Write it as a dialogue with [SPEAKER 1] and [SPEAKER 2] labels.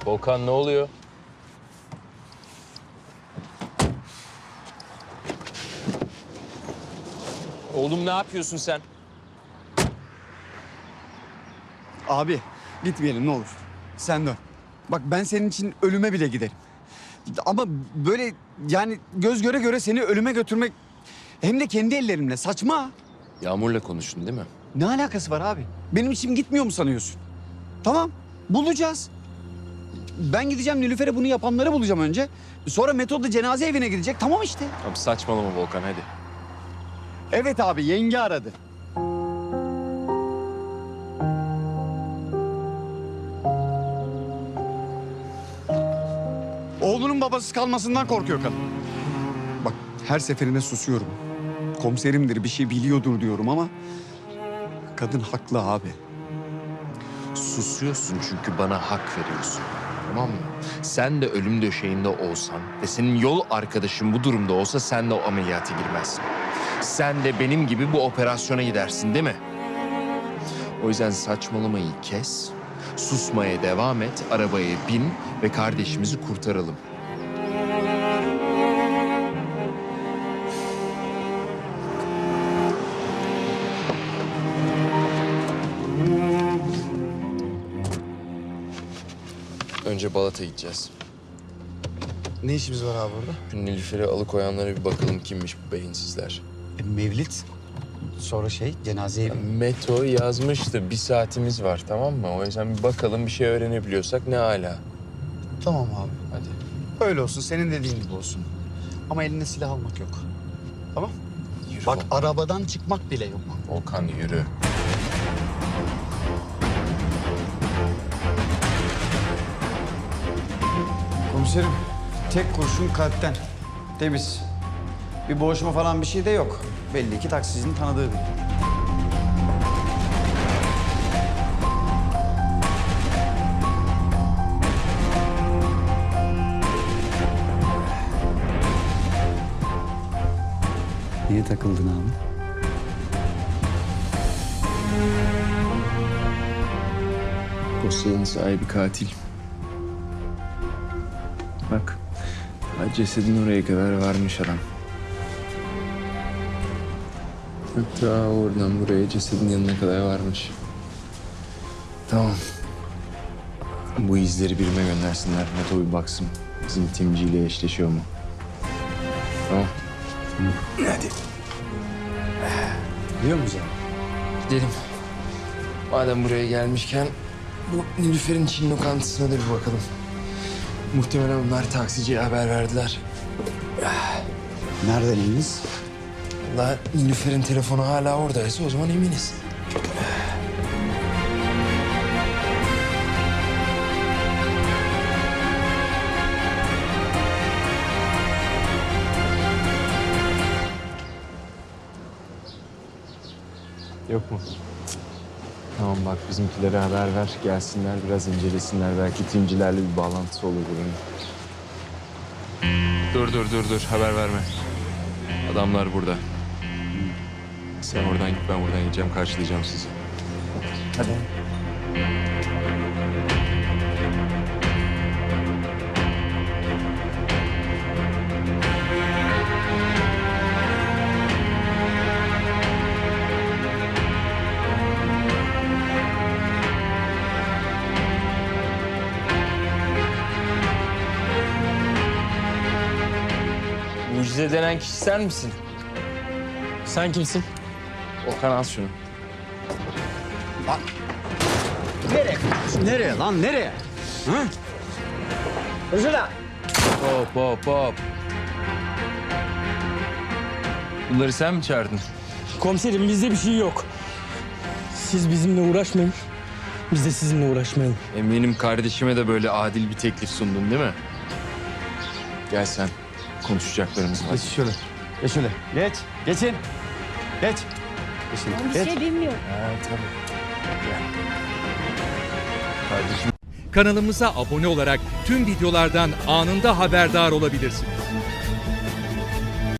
[SPEAKER 1] Volkan ne oluyor? Oğlum ne yapıyorsun sen?
[SPEAKER 2] Abi gitmeyelim ne olur. Sen dön. Bak ben senin için ölüme bile giderim. Ama böyle yani göz göre göre seni ölüme götürmek hem de kendi ellerimle saçma.
[SPEAKER 1] Yağmur'la konuştun değil mi?
[SPEAKER 2] Ne alakası var abi? Benim içim gitmiyor mu sanıyorsun? Tamam bulacağız. Ben gideceğim Nilüfer'e bunu yapanları bulacağım önce. Sonra Metod da cenaze evine gidecek. Tamam işte.
[SPEAKER 1] Abi saçmalama Volkan hadi.
[SPEAKER 2] Evet abi yenge aradı. Oğlunun babasız kalmasından korkuyor kadın. Bak her seferinde susuyorum. Komiserimdir bir şey biliyordur diyorum ama... kadın haklı abi.
[SPEAKER 1] Susuyorsun çünkü bana hak veriyorsun. Tamam mı? Sen de ölüm döşeğinde olsan ve senin yol arkadaşın bu durumda olsa sen de o ameliyata girmezsin. Sen de benim gibi bu operasyona gidersin değil mi? O yüzden saçmalamayı kes, susmaya devam et, arabaya bin ve kardeşimizi kurtaralım. Önce Balat'a gideceğiz.
[SPEAKER 2] Ne işimiz var abi orada?
[SPEAKER 1] Şu Nilüfer'i alıkoyanlara bir bakalım kimmiş bu beyinsizler.
[SPEAKER 2] Mevlit. Sonra cenaze evi.
[SPEAKER 1] Meto yazmıştı. 1 saatimiz var tamam mı? O yüzden bir bakalım bir şey öğrenebiliyorsak ne âlâ.
[SPEAKER 2] Tamam abi.
[SPEAKER 1] Hadi.
[SPEAKER 2] Öyle olsun senin dediğin gibi olsun. Ama eline silah almak yok. Tamam?
[SPEAKER 1] Yürü
[SPEAKER 2] Bak
[SPEAKER 1] Volkan.
[SPEAKER 2] arabadan çıkmak bile yok.
[SPEAKER 1] Volkan yürü.
[SPEAKER 2] Komiserim tek kurşun kalpten. Temiz. Bir boğuşma falan bir şey de yok. Belli ki taksicinin tanıdığı biri. Niye takıldın abi?
[SPEAKER 1] Dosyanın sahibi katil. Bak. Cesedin oraya kadar varmış adam. Hatta oradan buraya cesedin yanına kadar varmış. Tamam. Bu izleri birime göndersinler. Meto bir baksın. Bizim timciyle eşleşiyor mu? Tamam. Hadi.
[SPEAKER 2] Biliyor musun?
[SPEAKER 1] Gidelim. Madem buraya gelmişken bu Nilüfer'in Çin lokantasına da bir bakalım. Muhtemelen onlar taksiciye haber verdiler.
[SPEAKER 2] Nereden eminiz?
[SPEAKER 1] Vallahi Nilüfer'in telefonu hala oradaysa o zaman eminiz. Yok mu? Tamam bak bizimkilere haber ver. Gelsinler biraz incelesinler. Belki timcilerle bir bağlantısı olur bunun. Dur. Haber verme. Adamlar burada. Sen oradan git ben buradan gideceğim. Karşılayacağım sizi.
[SPEAKER 2] Hadi.
[SPEAKER 1] Mucize denen kişi sen misin?
[SPEAKER 3] Sen kimsin?
[SPEAKER 1] Okan al şunu.
[SPEAKER 2] Nereye lan nereye? Hı?
[SPEAKER 1] Hop. Bunları sen mi çağırdın?
[SPEAKER 3] Komiserim bizde bir şey yok. Siz bizimle uğraşmayın. Biz de sizinle uğraşmayalım.
[SPEAKER 1] Eminim kardeşime de böyle adil bir teklif sundun değil mi? Gel sen. Konuşacaklarımız var.
[SPEAKER 2] Geç şöyle. Geç şöyle. Geç. Geçin. Geç. Geçin.
[SPEAKER 4] Ben bir
[SPEAKER 2] Geç.
[SPEAKER 4] şey bilmiyorum.
[SPEAKER 1] Ha, tabii. Gel. Kardeşim.
[SPEAKER 5] Kanalımıza abone olarak tüm videolardan anında haberdar olabilirsiniz.